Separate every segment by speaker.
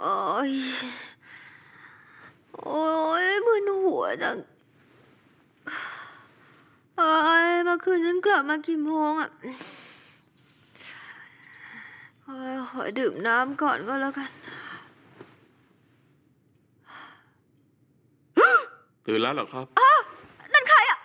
Speaker 1: โอ้ยโอ้ยมึนหัวจังเอ้ยเมื่อคืนฉันกลับมากี่โมงอ่ะขอดื่มน้ำก่อนก็แล้วกัน
Speaker 2: ตื่นแล้วเหรอครับ
Speaker 1: นั่นใครอ่ะ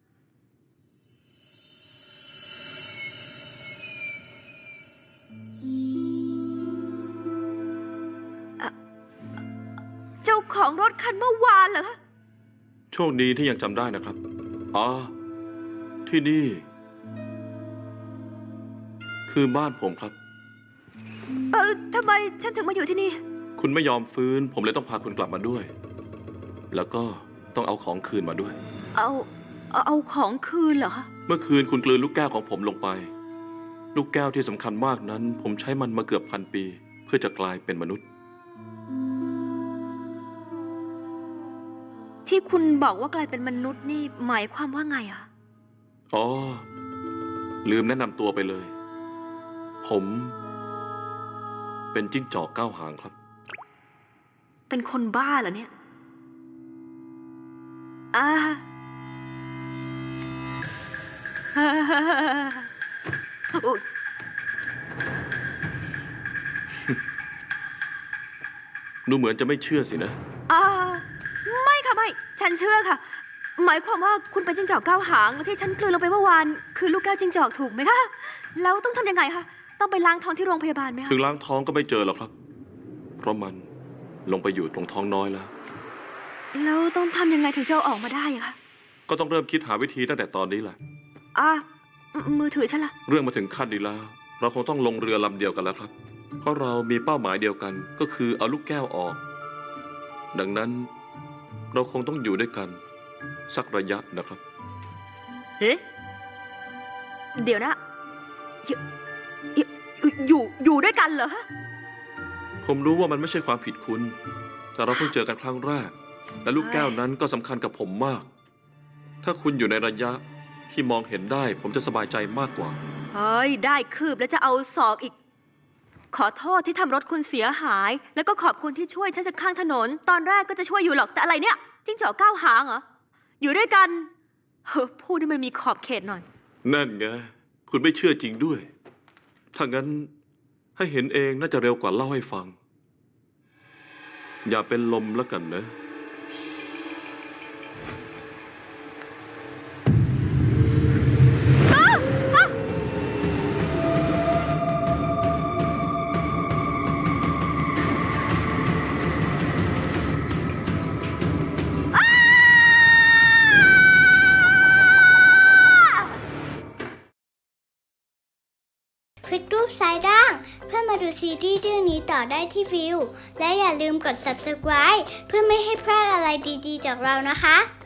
Speaker 1: เจ้าของรถคันเมื่อวานเหรอ
Speaker 2: โชคดีที่ยังจำได้นะครับอ๋อที่นี่คือบ้านผมครับ
Speaker 1: ทำไมฉันถึงมาอยู่ที่นี่
Speaker 2: คุณไม่ยอมฟื้นผมเลยต้องพาคุณกลับมาด้วยแล้วก็ต้องเอาของคืนมาด้วย
Speaker 1: เอาของคืนเหรอ
Speaker 2: เมื่อคืนคุณกลืนลูกแก้วของผมลงไปลูกแก้วที่สำคัญมากนั้นผมใช้มันมาเกือบ1,000 ปีเพื่อจะกลายเป็นมนุษย์
Speaker 1: ที่คุณบอกว่ากลายเป็นมนุษย์นี่หมายความว่าไงอะ
Speaker 2: อ๋อลืมแนะนำตัวไปเลยผมเป็นจิ้งจอก9 หางครับ
Speaker 1: เป็นคนบ้าเหรอเนี่ย
Speaker 2: ดูเหมือนจะไม่เชื่อสินะ
Speaker 1: ไม่ค่ะไม่ฉันเชื่อค่ะหมายความว่าคุณเป็นจิ้งจอก9 หางแล้วที่ฉันกลืนลงไปเมื่อวานคือลูกแก้วจิ้งจอกถูกไหมคะแล้วต้องทำยังไงคะต้องไปล้างท้องที่โรงพยาบาลไหมคะ
Speaker 2: ถึงล้างท้องก็ไม่เจอหรอกครับเพราะมันลงไปอยู่ตรงท้องน้อยแล้ว
Speaker 1: ต้องทำยังไงถึงจะเอาออกมาได้อะคะ
Speaker 2: ก็ต้องเริ่มคิดหาวิธีตั้งแต่ตอนนี้แหละ
Speaker 1: มือถือฉันล่ะ
Speaker 2: เรื่องมาถึงขั้นนี้แล้วเราคงต้องลงเรือลำเดียวกันแล้วครับเพราะเรามีเป้าหมายเดียวกันก็คือเอาลูกแก้วออกดังนั้นเราคงต้องอยู่ด้วยกันสักระยะนะครับ
Speaker 1: เดี๋ยวนะอยู่ด้วยกันเหรอ
Speaker 2: ผมรู้ว่ามันไม่ใช่ความผิดคุณแต่เราเพิ่งเจอกันครั้งแรกและลูกแก้วนั้นก็สำคัญกับผมมากถ้าคุณอยู่ในระยะที่มองเห็นได้ผมจะสบายใจมากกว่า
Speaker 1: เฮ้ยได้คืบแล้วจะเอาศอกอีกขอโทษที่ทำรถคุณเสียหายแล้วก็ขอบคุณที่ช่วยฉันจากข้างถนนตอนแรกก็จะช่วยอยู่หรอกแต่อะไรเนี่ยจิ้งจอก9 หางเหรออยู่ด้วยกันพูดให้มันมีขอบเขตหน่อย
Speaker 2: นั่นไงคุณไม่เชื่อจริงด้วยถ้างั้นให้เห็นเองน่าจะเร็วกว่าเล่าให้ฟังอย่าเป็นลมแล้วกันนะ
Speaker 3: คลิกรูปซ้ายล่างเพื่อมาดูซีรีส์เรื่องนี้ต่อได้ที่วิวและอย่าลืมกด subscribe เพื่อไม่ให้พลาดอะไรดีๆจากเรานะคะ